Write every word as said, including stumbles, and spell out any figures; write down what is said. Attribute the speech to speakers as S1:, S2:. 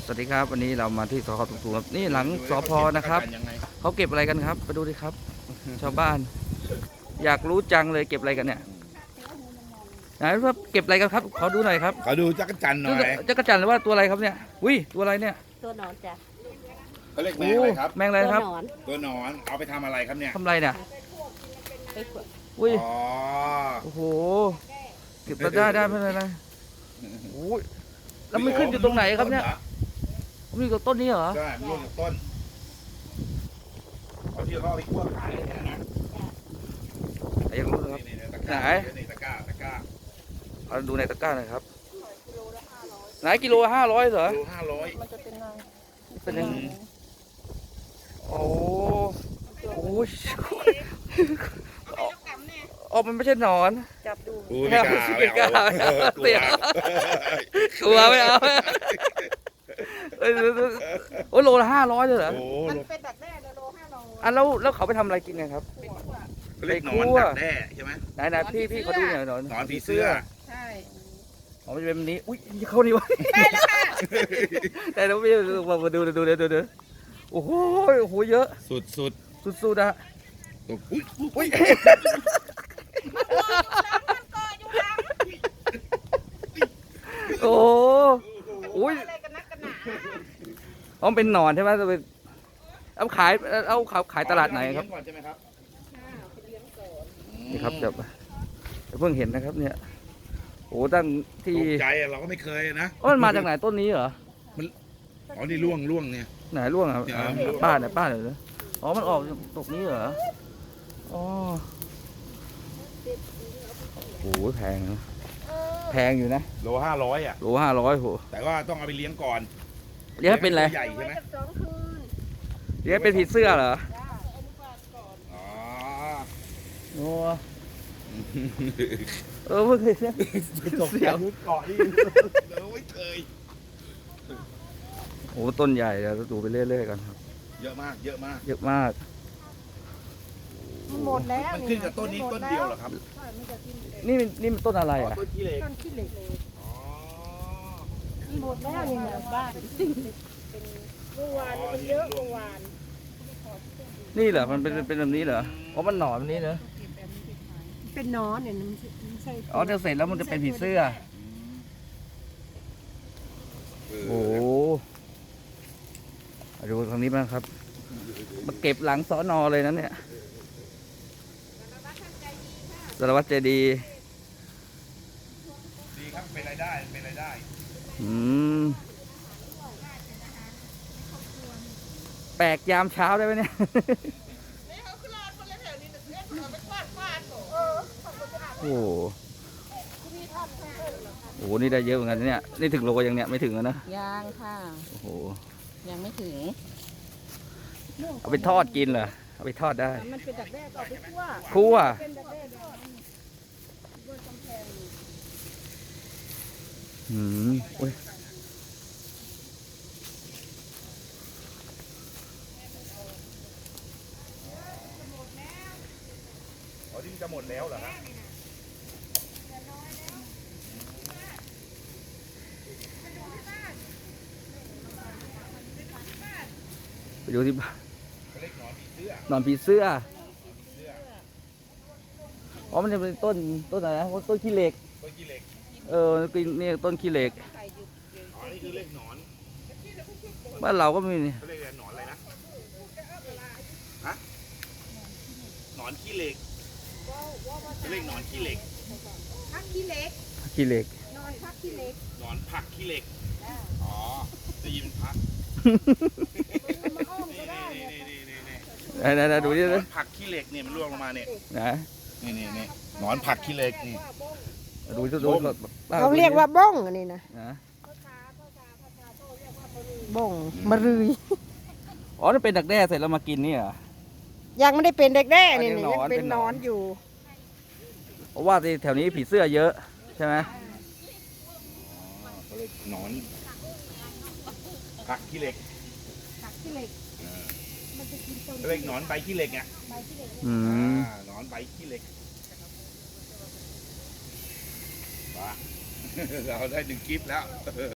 S1: สวัสดีครับวันนี้เรามาที่สพตุกๆครับนี่หลังสพนะครับเขาเก็บอะไรกันครับไปดูดิครับ ชาวบ้าน อยากรู้จังเลยเก็บอะไรกันเนี่ยไหนว่าเก็บอะไรกันครับขอดูหน่อยครับ
S2: ขอดูจักรจันทร์หน่อย
S1: จักรจันทร์หรือว่าตัวอะไรครับเนี่ยอุ้ยตัวอะไรเนี่ย
S3: ตัวหนอนจ้ะ
S2: เขาเรียกแมงอะไรครับ
S1: แมงอะไรครับ
S3: ตัวหนอน
S2: ตัวหนอนเอาไปทำอะไรครับเนี่ย
S1: ทำอะไรเนี่ย
S3: ไปขวด
S1: อุ้ย
S2: อ๋อ
S1: โอ้โหเก็บมาได้ได้ไม่เป็นไรโอ้ยแล้วมันขึ้นอยู่ตรงไหนครับเนี่ยมันอยู่กับต้นนี้เหรอ
S2: ใช่มันร่วงจากต้นเอาที่เขาเอาไปคั่วขายเนี่ยนะ
S1: อยากรู้นะครับ
S2: นี่ๆตะกร้า
S1: ไหน
S2: นี่ตะกร้าตะกร้า
S1: เอาดูในตะกร้าหน่อยครับไหนกิโลห้าร้อยเหรอ
S2: โลห้าร้อย
S3: มันจะเป็นนาง
S1: เป็นยังไงโอ้โหอ๋อมันไม่ใช่หนอน
S3: จับดู
S2: อู้ไม่กล้า
S1: ไม่กล้า
S2: ไม่เอา
S1: เสีย กลัวไม่เอาเอ้ยโอ้ยโลละห้าร้อยเลยเหรอ
S2: โอ้
S3: มัน
S2: โห
S3: เป็นดักแด้โลห้าโล
S1: อ่ะแล้วแล้วเขาไปทำอะไรกินกันครับ
S2: เขาเรียกหนอนดักแด้ใช่ไหม
S1: ไหนไหนพี่พี่เขาดูหน่อยหนอน
S2: หนอนผีเสื้อ
S3: ใช่
S1: อ๋อมันจะเป็นแบบนี้อุ้ยเข้านี่วะแต่เราไม่มามาดูดูดูดูดูโอ้โหโอ้โหเยอะ
S2: สุดสุด
S1: สุดๆอะ
S2: ๆอุ้ยอุ้ย
S1: โอ้โหอุ้ย
S3: อะไรกันนักกันหนา
S1: อ๋อเป็นหนอนใช่ไหมจะเป็นเอาขายเอาขายขายตลาดไหนครับ
S2: เลี้ยงก่อนใช่ไหมครับ
S1: นี่ครับจะเพิ่งเห็นนะครับเนี่ยโอ้ตั้งที่
S2: ตกใจอะเราก็ไม่เคยนะ
S1: อ๋อมันมาจากไหนต้นนี้เหรอ
S2: อ๋อนี่ร่วงร่วงเนี่ย
S1: ไหนร่วงอ่ะ
S2: เนี่ย
S1: อ่าป้าเนี่ยป้าเนี่ยอ๋อมันออกตกนี้เหรออ๋อโอ้โหแพงนะแพงอยู่นะ
S2: โลห้าร้อยอ่ะ
S1: โลห้าร้อยโห
S2: แต่ว่าต้องเอาไปเลี้ยงก่อน
S1: เลี้ยงเป็นอะไร
S2: ตัวใหญ่ใช่ไหม
S3: สองคืน
S1: เลี้ยงเป็นผีเสื้อเหรอ
S2: อ๋อ
S1: โอ้เออเพิ่งเห็นนะ เสียว
S2: เกาะนี่เราไม่เคย
S1: โอ้ต้นใหญ่เดี๋ยวดูไปเรื่อยๆกันครับ
S2: เยอะมากเยอะมาก
S1: เยอะมาก
S3: หมดแล้ว
S2: มันขึ้นกับต้นนี้ต้นเดียวเหรอครับ
S3: ใช่มันจะกิน
S1: นี่มันนี่มันต้นอะไร
S2: อ๋อ
S1: อ่ะ
S2: ต้นขี้เหล็ก
S3: ต้นขี้เหล็ก
S2: อ๋อ
S3: หมดแล้วนี่นะบ้านเมื่อวานมันเยอะเมื่อวาน
S1: นี่เหรอมันเป็นเป็นแบบนี้เหรออ๋อมันหนอนแบบนี้เหรอ
S3: เป็นนอนเนี่ยมันไม่ใช่
S1: อ๋อเดี๋ยวเสร็จแล้วมันจะเป็นผีเสื้อ โอ้โหมาดูทางนี้บ้างครับ มาเก็บหลังสอนอเลยนะเนี่ยสารวัตรใจดี
S2: ดีครับเป็นรายได้เป็นรายได้
S1: อืมแปลกยามเช้าได้ไหมเนี่ย โอ้โหโอ้โห นี่ได้เยอะเหมือนกันนะเนี่ย นี่ถึงโลยังเนี่ยไม่ถึงแล้วนะ
S3: ยังค่ะ
S1: โอ้โห
S3: ยังไม่ถึง
S1: เอาไปทอดกินเหรอ เอาไปทอดได้
S3: มันเป็นดักแด้ก็เอาไปคั่ว
S1: คั่ว
S3: เป็นดักแด้ดอง
S1: อืมอุ้ย
S2: อ๋อที่มันจะหมดแล้วเหรอฮะ
S1: ไปดูที่บ้าน
S2: เขาเรียกหนอนผีเสื้อน
S1: อนผีเสื้อ
S2: เสื้อ
S1: อ๋อ มันจะเป็นต้นต้นอะไรนะต้นขี้เหล็ก
S2: ต้นขี้เหล็ก
S1: เออนี่ต้นขี้เหล็ก
S2: อ๋อนี่คือเรียกหนอน
S1: บ้านเราก็มีนี่
S2: เขาเรียกอะไรหนอนอะไรนะฮะหนอนขี้เหล็กเขาเรียกหนอนขี้เหล็ก
S3: พักขี้เหล็ก
S1: ขี้เหล็ก
S3: นอนพักขี้เหล็ก
S2: หนอนผักขี้เหล็กอ๋อได้ยินพัก
S3: มาอ้อม
S2: นี่
S3: ก็ได้
S2: นี่นี่นี่นี่
S1: ไหนไหนดูดิ
S2: หน
S1: เล
S2: อย นผักขี้เหล็กเนี่ยมันร่วงลงมาเนี่ย
S1: นะ
S2: นี่นี่นี่หนอนผักขี้เหล็กนี่
S1: ดูดูดู
S3: เขาเรียกว่าบ้งอันนี้นะ
S1: นะ
S3: บ้งมะรืย
S1: อ๋อนี่เป็นดักแด้เสร็จแล้วมากินนี่เหรอ
S3: ยังไม่ได้เป็นเด็กแด้นี่
S1: อันนี้
S3: นี่ยัง
S1: หนอน
S3: เป็
S1: เป็น นหน
S3: น
S1: อ
S3: อน นอยู่
S1: เพราะว่าที่แถวนี้ผีเสื้อเยอะใช่ไหม
S2: เขาเรียกหนอนผักขี้เหล็ก
S3: ผักขี้เหล็ก
S2: เขาเรียกหนอนใบขี้เหล็กอ่ะ
S1: อืม
S2: อ่าหนอนใบขี้เหล็กว้า เราได้หนึ่งคลิปแล้ว